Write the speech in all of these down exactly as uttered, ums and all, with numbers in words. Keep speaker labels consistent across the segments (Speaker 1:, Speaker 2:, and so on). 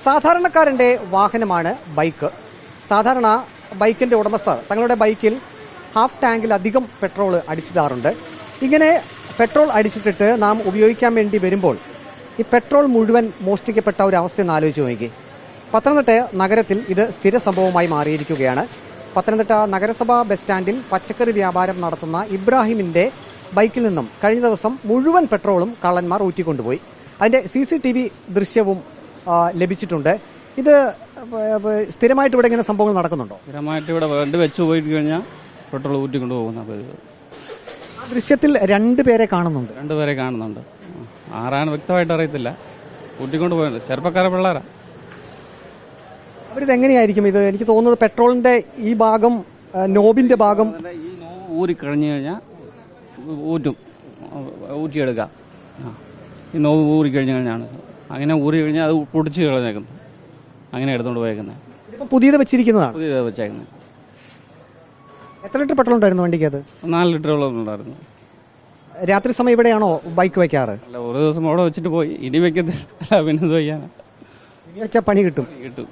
Speaker 1: സാധാരണക്കാരന്റെ വാഹനമാണ് ബൈക്ക്. സാധാരണ ബൈക്കിന്റെ ഉടമസ്ഥർ തങ്ങളുടെ ബൈക്കിൽ ഹാഫ് ടാങ്കിലധികം പെട്രോൾ അടിച്ചിടാറുണ്ട്. ഇങ്ങനെ പെട്രോൾ അടിച്ചിട്ടിട്ട് നാം ഉപയോഗിക്കാൻ വേണ്ടി വരുമ്പോൾ ഈ പെട്രോൾ മുഴുവൻ മോഷ്ടിക്കപ്പെട്ട ഒരു അവസ്ഥ ആലോചിച്ച് നോക്കി. പത്തനംതിട്ട നഗരത്തിൽ ഇത് സ്ഥിര സംഭവമായി മാറിയിരിക്കുകയാണ്. പത്തനംതിട്ട നഗരസഭാ ബസ് സ്റ്റാൻഡിൽ പച്ചക്കറി വ്യാപാരം നടത്തുന്ന ഇബ്രാഹിമിന്റെ ബൈക്കിൽ നിന്നും കഴിഞ്ഞ ദിവസം മുഴുവൻ പെട്രോളും കള്ളന്മാർ ഊറ്റിക്കൊണ്ടുപോയി. അതിന്റെ സി സി ടി വി ദൃശ്യവും ലഭിച്ചിട്ടുണ്ട്. ഇത് സ്ഥിരമായിട്ട് ഇവിടെ ഇങ്ങനെ സംഭവങ്ങൾ നടക്കുന്നുണ്ടോ?
Speaker 2: സ്ഥിരമായിട്ട് ഇവിടെ വണ്ടി വെച്ച് പോയിട്ട് കഴിഞ്ഞാൽ പെട്രോൾ ഊറ്റിക്കൊണ്ട് പോകുന്ന
Speaker 1: ആ ദൃശ്യത്തിൽ രണ്ടുപേരെ കാണുന്നുണ്ട്
Speaker 2: രണ്ടുപേരെ കാണുന്നുണ്ട് ആരാണ് വ്യക്തമായിട്ട് അറിയത്തില്ല. ഊറ്റിക്കൊണ്ട് പോയത് ചെറുപ്പക്കാരെ പിള്ളേരാ.
Speaker 1: അവരിത് എങ്ങനെയായിരിക്കും? ഇത് എനിക്ക് തോന്നുന്നത് പെട്രോളിന്റെ ഈ ഭാഗം, നോബിന്റെ ഭാഗം
Speaker 2: ഈ നോവ് ഊരി കഴിഞ്ഞു കഴിഞ്ഞാൽ ഊറ്റും ഊറ്റിയെടുക്കാം. ഈ നോവ് ഊറി കഴിഞ്ഞു കഴിഞ്ഞാണ് അങ്ങനെ ഊറി കഴിഞ്ഞാൽ അത് പൊടിച്ച് കളഞ്ഞേക്കുന്നത്. അങ്ങനെ എടുത്തോണ്ട് പോയേക്കുന്നത്.
Speaker 1: ഇതിപ്പോൾ പുതിയത് വെച്ചിരിക്കുന്നതാണ്.
Speaker 2: പുതിയത് വെച്ചേക്കുന്നത്.
Speaker 1: എത്ര ലിറ്റർ പെട്രോൾ ഉണ്ടായിരുന്നു വണ്ടിക്ക്? അത്
Speaker 2: നാല് ലിറ്ററോളം ഉണ്ടായിരുന്നു.
Speaker 1: രാത്രി സമയം ഇവിടെയാണോ ബൈക്ക് വെക്കാറ്?
Speaker 2: അല്ല, ഒരു ദിവസം അവിടെ വെച്ചിട്ട് പോയി. ഇനി വെക്കത്തില്ല, പിന്നെ ഇത് വയ്യാനാ.
Speaker 1: ഇനി വെച്ചാൽ പണി കിട്ടും
Speaker 2: കിട്ടും.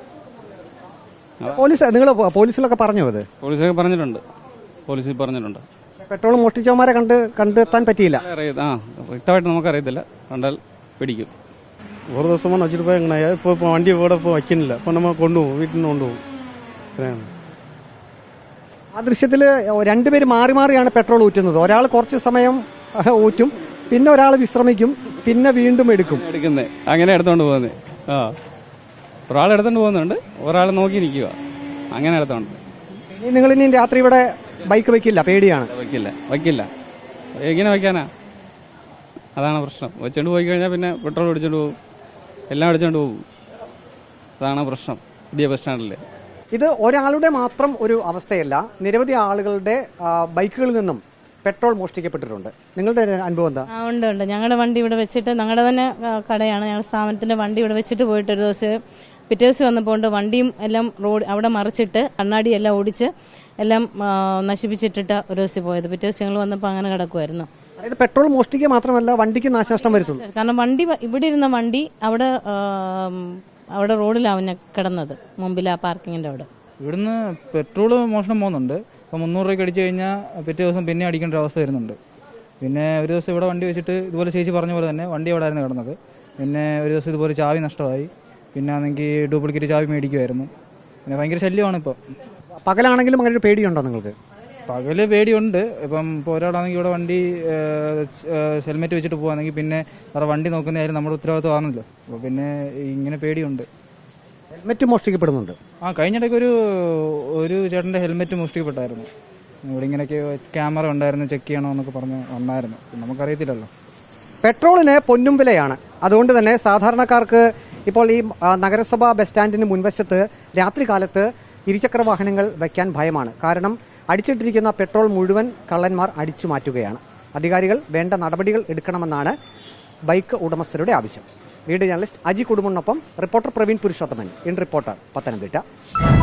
Speaker 1: പോലീസ് നിങ്ങൾ പോലീസിലൊക്കെ പറഞ്ഞു? അത്
Speaker 2: പോലീസൊക്കെ പറഞ്ഞിട്ടുണ്ട്. പോലീസിൽ പറഞ്ഞിട്ടുണ്ട്.
Speaker 1: പെട്രോൾ മോഷ്ടിച്ചവന്മാരെ കണ്ട് കണ്ടെത്താൻ പറ്റിയില്ല.
Speaker 2: ആ വ്യക്തമായിട്ട് നമുക്കറിയത്തില്ല. കണ്ടാൽ പിടിക്കും.
Speaker 3: ഒരു ദിവസമാണ് വെച്ചിട്ട് പോയി. എങ്ങനെ ഇപ്പോൾ ഇപ്പോൾ വണ്ടി ഇവിടെ ഇപ്പോൾ വയ്ക്കുന്നില്ല. അപ്പോൾ നമ്മൾ കൊണ്ടുപോകും, വീട്ടിൽ നിന്ന് കൊണ്ടുപോകും.
Speaker 1: ആ ദൃശ്യത്തിൽ രണ്ടുപേര് മാറി മാറിയാണ് പെട്രോൾ ഊറ്റുന്നത്. ഒരാൾ കുറച്ച് സമയം ഊറ്റും, പിന്നെ ഒരാൾ വിശ്രമിക്കും, പിന്നെ വീണ്ടും എടുക്കും.
Speaker 2: എടുക്കുന്നത് അങ്ങനെ എടുത്തോണ്ട് പോകുന്നത്. ആ ഒരാൾ എടുത്തോണ്ട് പോകുന്നുണ്ട്, ഒരാൾ നോക്കി നിൽക്കുക. അങ്ങനെ എടുത്തോണ്ട്.
Speaker 1: ഇനി നിങ്ങൾ ഇനി രാത്രി ഇവിടെ ബൈക്ക് വെക്കില്ല? പേടിയാണ്.
Speaker 2: വയ്ക്കില്ല വയ്ക്കില്ല എങ്ങനെ വയ്ക്കാനാ? അതാണ് പ്രശ്നം. വെച്ചോണ്ട് പോയി കഴിഞ്ഞാൽ പിന്നെ പെട്രോൾ അടിച്ചോണ്ട് പോകും, എല്ലാം അടിച്ചോണ്ട് പോകും. അതാണ് പ്രശ്നം പുതിയ ബസ് സ്റ്റാൻഡില്.
Speaker 1: ഇത് ഒരാളുടെ മാത്രം ഒരു അവസ്ഥയല്ല. നിരവധി ആളുകളുടെ ബൈക്കുകളിൽ നിന്നും പെട്രോൾ മോഷ്ടിക്കപ്പെട്ടിട്ടുണ്ട്. നിങ്ങളുടെ അനുഭവം എന്താ?
Speaker 4: ഉണ്ട് ഉണ്ട് ഞങ്ങളുടെ വണ്ടി ഇവിടെ വെച്ചിട്ട്, ഞങ്ങളുടെ തന്നെ കടയാണ്, ഞങ്ങളുടെ സ്ഥാപനത്തിന്റെ വണ്ടി ഇവിടെ വെച്ചിട്ട് പോയിട്ട് ഒരു ദിവസം പിറ്റേ ദിവസം വന്നപ്പോൾ വണ്ടിയും എല്ലാം റോഡ് അവിടെ മറിച്ചിട്ട് കണ്ണാടി എല്ലാം ഓടിച്ച് എല്ലാം നശിപ്പിച്ചിട്ടിട്ട് ഒരു ദിവസം പോയത്. പിറ്റേ ദിവസം ഞങ്ങൾ വന്നപ്പോൾ അങ്ങനെ കിടക്കുമായിരുന്നു.
Speaker 1: അതായത് പെട്രോൾ മോഷ്ടിക്കുക മാത്രമല്ല, വണ്ടിക്ക് നാശനഷ്ടം വരുത്തുന്നു.
Speaker 4: കാരണം വണ്ടി ഇവിടെ ഇരുന്ന വണ്ടി അവിടെ അവിടെ റോഡിലാണ് കിടന്നത്, മുമ്പിൽ ആ പാർക്കിങ്ങിന്റെ അവിടെ.
Speaker 5: ഇവിടുന്ന് പെട്രോൾ മോഷണം പോകുന്നുണ്ട്. അപ്പോൾ മുന്നൂറ് രൂപയ്ക്ക് അടിച്ചു കഴിഞ്ഞാൽ പിറ്റേ ദിവസം പിന്നെ അടിക്കേണ്ട ഒരു അവസ്ഥ വരുന്നുണ്ട്. പിന്നെ ഒരു ദിവസം ഇവിടെ വണ്ടി വെച്ചിട്ട് ഇതുപോലെ ചേച്ചി പറഞ്ഞ പോലെ തന്നെ വണ്ടി അവിടെ ആയിരുന്നു കിടന്നത്. പിന്നെ ഒരു ദിവസം ഇതുപോലെ ചാവി നഷ്ടമായി. പിന്നെ ആണെങ്കിൽ ഡ്യൂപ്ലിക്കേറ്റ് ചാവി മേടിക്കുമായിരുന്നു. പിന്നെ ഭയങ്കര ശല്യമാണ് ഇപ്പോൾ.
Speaker 1: പകലാണെങ്കിലും അങ്ങനെ ഒരു പേടിയുണ്ടോ നിങ്ങൾക്ക്?
Speaker 5: പകല് പേടിയുണ്ട്. ഇപ്പം ഇപ്പോൾ ഒരാളാണെങ്കിൽ ഇവിടെ വണ്ടി ഹെൽമെറ്റ് വെച്ചിട്ട് പോകുകയാണെങ്കിൽ പിന്നെ വേറെ വണ്ടി നോക്കുന്ന കാര്യം നമ്മുടെ ഉത്തരവാദിത്വമാണല്ലോ. അപ്പോൾ പിന്നെ ഇങ്ങനെ പേടിയുണ്ട്.
Speaker 1: ഹെൽമെറ്റ് മോഷ്ടിക്കപ്പെടുന്നുണ്ട്.
Speaker 5: ആ കഴിഞ്ഞിടയ്ക്ക് ഒരു ഒരു ചേട്ടൻ്റെ ഹെൽമെറ്റ് മോഷ്ടിക്കപ്പെട്ടായിരുന്നു. ഇവിടെ ഇങ്ങനെയൊക്കെ ക്യാമറ ഉണ്ടായിരുന്നു, ചെക്ക് ചെയ്യണോ എന്നൊക്കെ പറഞ്ഞ് വന്നായിരുന്നു. നമുക്കറിയത്തില്ലല്ലോ.
Speaker 1: പെട്രോളിന് പൊന്നും വിലയാണ്. അതുകൊണ്ട് തന്നെ സാധാരണക്കാർക്ക് ഇപ്പോൾ ഈ നഗരസഭാ ബസ് സ്റ്റാൻഡിന് മുൻവശത്ത് രാത്രികാലത്ത് ഇരുചക്ര വാഹനങ്ങൾ വയ്ക്കാൻ ഭയമാണ്. കാരണം അടിച്ചിട്ടിരിക്കുന്ന പെട്രോൾ മുഴുവൻ കള്ളന്മാർ അടിച്ചു മാറ്റുകയാണ്. അധികാരികൾ വേണ്ട നടപടികൾ എടുക്കണമെന്നാണ് ബൈക്ക് ഉടമസ്ഥരുടെ ആവശ്യം. വീഡിയോ ജേർണലിസ്റ്റ് അജി കുടുംബനൊപ്പം reporter Praveen Purushothaman, in reporter, Pathanamthitta.